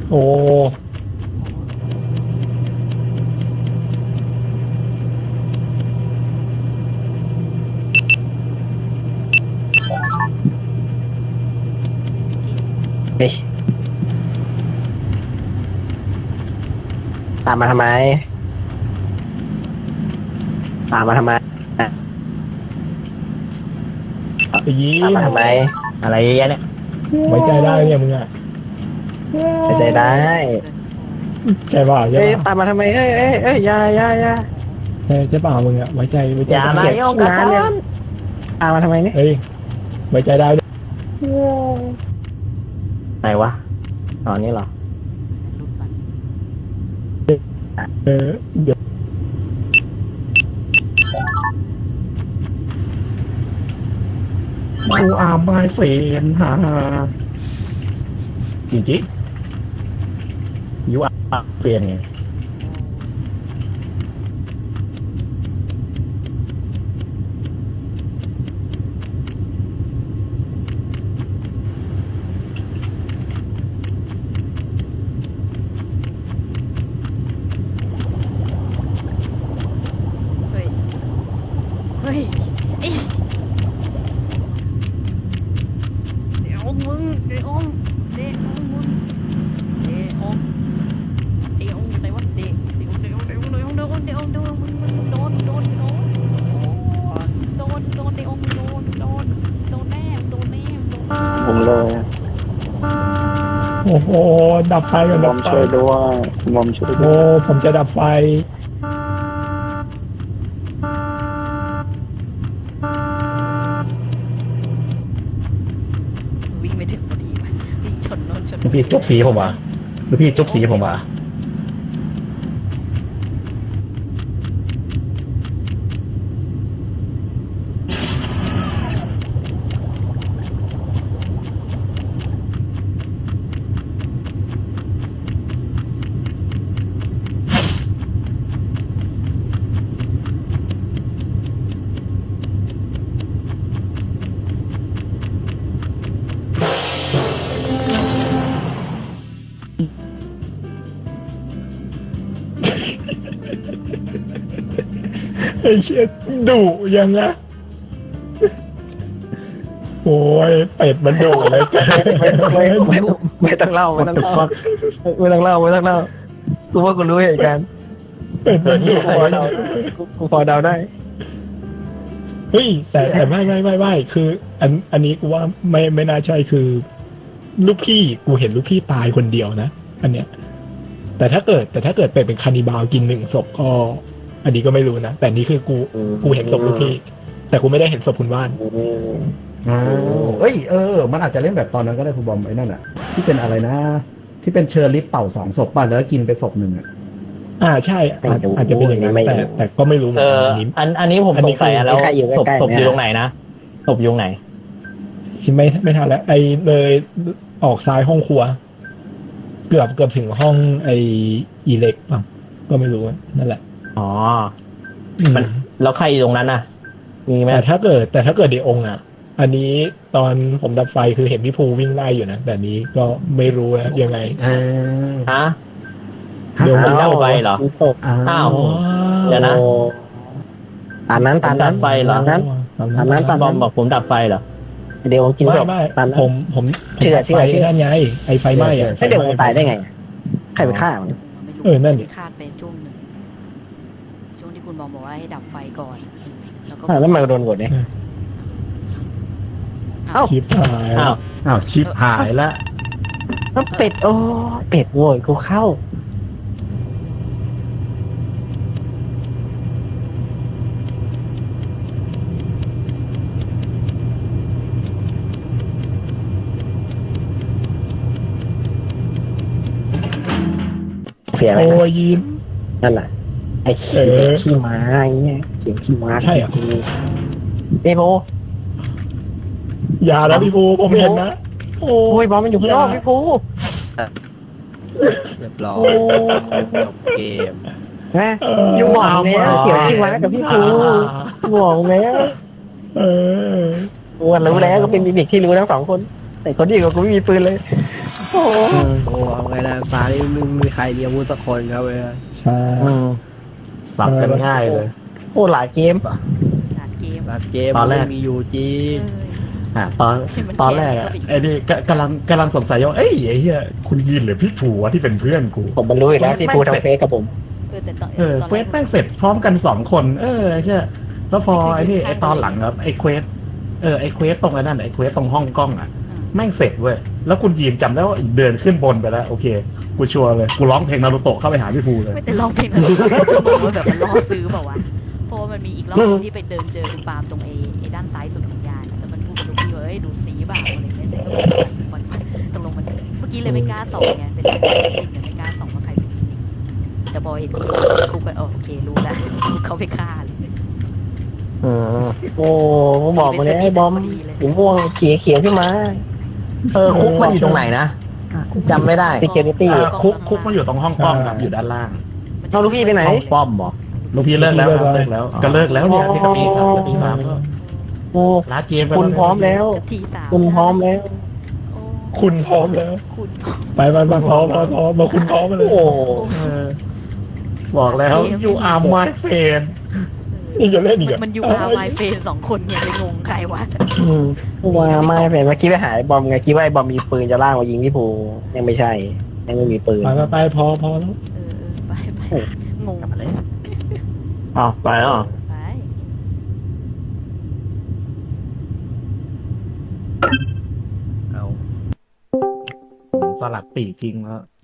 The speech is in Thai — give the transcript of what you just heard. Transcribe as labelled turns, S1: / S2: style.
S1: โอ้
S2: เฮ้ยตามมาทำไมตามมาทำไม
S1: ไปยิ้
S2: ตาม
S1: ม
S2: มาทำไม
S3: อะไรเยอะแยะเนี่ย
S1: ไว้ใจได้เนี่ยมึงอ่ะ
S2: ไม่ใจได้
S1: ใจเปล่าใช่
S2: เอ้ย
S1: เปล่า
S2: ตามมาทำไมเอ้ยอย่า
S1: ใช่เปล่ามึงอ่ะไว้ใจไว้ใจ
S3: อย่า
S1: ได้
S3: มาโยงกัน
S2: ตามมาทำไมเนี่ย
S1: เฮ้ยไว้ใจได้ด้วย
S3: ไหนวะตอนนี้เหรอ
S4: รูปบัตร
S1: เออเดี๋ยวกูอาร์มายเฟนฮ่าจริงๆยูอาร์เฟนไง
S4: เฮ้ย เฮ้ยไอ้เดี๋ยวมึงเดี๋ยวเดี๋ยวมึงเดี๋ยวเดี๋ยวอยู่ไหนวะเดี๋ยวมึงโดนเดี๋ยวแน่
S2: ผมเลย
S1: โอ้โหดับไฟก่อน
S2: ผ
S1: ดับ
S2: ม
S1: ไฟ
S2: ช่วยด้วยผมช่วยด้
S1: โอ้
S2: วย
S1: ผมจะดับไฟ
S4: วิ่งไม่ถึงพอดีว่ะวิ่งชนโน่นชน
S1: ลูกพี่จบสีผมอ่ะลูกพี่จบสีผมอ่ะไอ้เชี่ยดุยังอะโอ้ยเป็ดมันดุเลยแก
S2: ไม่ต้องเล่าไม่ต้องเล่าไม่ต้องเล่าไม่ต้องเล่ากูว่ากูรู้เหตุการณ์
S1: เป็ดมันดุ
S2: กูพอเดาได้
S1: เฮ้ยแต่ไม่คือ อันนี้กูว่าไม่น่าใช่คือ ลูกพี่กูเห็นลูกพี่ตายคนเดียวนะอันเนี้ยแต่ถ้าเกิดเป็ดเป็นคานิบาลกินหนึ่งศพก็ อันนี้ก็ไม่รู้นะแต่นี่คือกูเห็นศพลูกพี่ แต่กูไม่ได้เห็นศพคุณว่าน
S5: เอ้ยมันอาจจะเล่นแบบตอนนั้นก็ได้คุณบอมไอ้นั่นอ่ะ ที่เป็นอะไรนะ ที่เป็นเชอร์ลิฟเป่า2 ศพป่ะแล้วกินไปศพหนึ่งอ่ะ
S1: ใช่อาจจะเป็นอย่างนั้นแต่ก็ไม่รู้เหมือนกันอันนี้
S3: อันนี้ผมสงสัยอะแล้วศพอยู่ตรงไหนนะศพอยู่ตรงไหน
S1: ชิไม่ทันแล้วไอเลยออกซ้ายห้องครัว เกือบถึงห้องไออีเล็กป่ะก็ไม่รู้นั่นแหละ
S3: อ๋อ มันแล้วใครอยู่ตรงนั้นน่ะ มีไหม
S1: แต่ถ้าเกิดเดองค์อ่ะ อันนี้ตอนผมดับไฟคือเห็นพี่ภูวิ่งไล่อยู่นะแต่นี้ก็ไม่รู้นะยังไง
S3: ฮะ
S1: เดี๋ยว
S3: มันดับไฟเหรอ
S2: มีศพ
S3: อ้าว เดี๋ยวนะ
S2: ตามนั้น
S3: ดับไฟเหรอ
S2: ตามนั้นตามนั้นตาม
S3: บอ
S2: นั้
S3: ม
S2: น
S3: บอกผมดับไฟเหรอ
S2: เดี๋ยวกินศพ
S1: ไม่
S2: ตามนั้น
S1: ผม
S2: เชื่อ
S1: ไฟนั่นไงไอไฟไหม้อะ
S2: ไม่เดี๋ยวตายได้ไงใครไปฆ่ามัน
S4: ไม่รู้
S1: นั่นดิ
S4: คาดไปช่วงหนึ่งช่วงที่คุณบอกว่าให้ดับไฟก่อนแล้วก็
S2: แล้วมันโดนกดเนี่ย เอ้า
S1: ชิปหาย
S3: อ้าว
S5: อ้าวชิปหายละ
S2: แล้วเป็ดโอ้เป็ดโวยกูเข้าเสียอะไร
S1: โอ้
S2: นะ
S1: ยยิ้ม
S2: นั่นแหละไอ้เขียขี้ม้าไอ้เนี่ยเขียขี้ม้า
S1: ใช่เหรอ
S2: เอ้โบ
S1: อย่านะพี่ภูผมเห็นนะโอ้
S2: โอ้ยบอลมันอยู่ข้างนอกพี่ภู
S6: เรียบร้อย
S2: โอ้
S6: จบเกม
S2: นะอยู่หวังแล้วเขียวขี้ม้ากับพี่ภูหวังแล้ว
S1: เออ
S2: กูรู้แล้วก็เป็นมิมิกที่รู้ทั้ง2 คน แต่คนดีกว่ากูไม่มีปืนเลยโอ้
S6: โอ้เอาไงนะตานี่ไม่มีใครมีอาวุธสักคนครับเว้ย
S1: ใช่
S5: สับกันง่ายเลย
S2: โอ้หลายเกมอ่ะ
S4: ด่านเกม
S6: รัดเกม
S5: ตอนแรก
S6: มีอยู่จริ
S4: เอง อ
S5: ตอนแรกอะไอ้นี่กำลังสงสัยว่าเอ้ยไอ้เหี้ยคุณยินหรือพี่ถูวะที่เป็นเพื่อนกู
S2: ผมมันรู้อยู่แล้วที่พูดทางเฟซกับผม
S4: แต่ตอน
S5: เควสแม่งเสร็จพร้อมกัน2 คนใช่แล้วพอไอ้นี่ไอ้ตอนหลังครับไอ้เควสไอ้เควสตรงไอ้นั่นไอ้เควสตรงห้องกล้องอะแม่งเสร็จเว้ยแล้วคุณยีนจำได้ว่าเดินขึ้นบนไปแล้วโอเคกูชัวร์เลยกูร้องเพลงนารูโตะเข้าไปหาพี่ภูเลย
S4: ไม่แต่ลองเพลงนั้นก็บอกว่าแบบมันล่อซื้อเปล่าวะเพราะว่ามันมีอีกรอบนึงที่ไปเดินเจอคุณปาล์มตรงไอ้ด้านซ้ายสุดของยานแล้วมันพูดกับลูกพี่ว่าเอ้ยดูสีเปล่าอะไรเงี้ยใช่มันตกลงมันเมื่อกี้เลยไม่กล้าส่องไงเป็นใครเป็นสิ่งแต่ไม่กล้าส่องว่าใครเป็นจริงแต่พอเห็นคุกไปโอเครู้แล้วเขาไปฆ่าเลย
S2: โอ้ผมบอกมาเลยไอ้บอมสีม่วงเขียวขึ้นมา
S3: คุกมันอยู่ตรงไหนนะจำไม่ได้
S2: security
S5: คุกมันอยู่ตรงห้องกล้องครับอยู่ด้านล่าง
S2: เอาลูกพี่ไปไหน
S3: ห้องป้อมบอก
S5: ลูกพี่เลิกแล้วครับเลิกแล้วก็เลิกแล้วเนี่ยที่กับพี่ครับกับพี่ฟาร์มก็
S2: โอ้
S5: ลาเกมไป
S2: คุณพร้อมแล้ว
S4: ทีสาม
S2: คุณพร้อมแล้ว
S1: คุณพร้อมแล้ว
S4: คุณ
S1: ไปพร้อมมาคุณพร้อมมาเลย
S2: โอ้
S5: บอกแล้ว you are my friend
S1: นี่จะเล่นอีกเหรอ
S4: มันยูอาร์ไมเฟน2 คนเนี่ยไปงงใครวะ
S2: ว่าไม่เป็นเมื่อกี้ไปหาไอ้บอมไงคิดว่าไอ้บอมมีปืนจะล่างมายิงพี่ภูยังไม่ใช่ ยังไม่มีปืน
S1: ไปพอแล้ว
S4: ไปงง
S2: อ้าวไปแล้ว
S4: ไป
S6: เอา
S5: สลัดปีกทิ้งแล้ว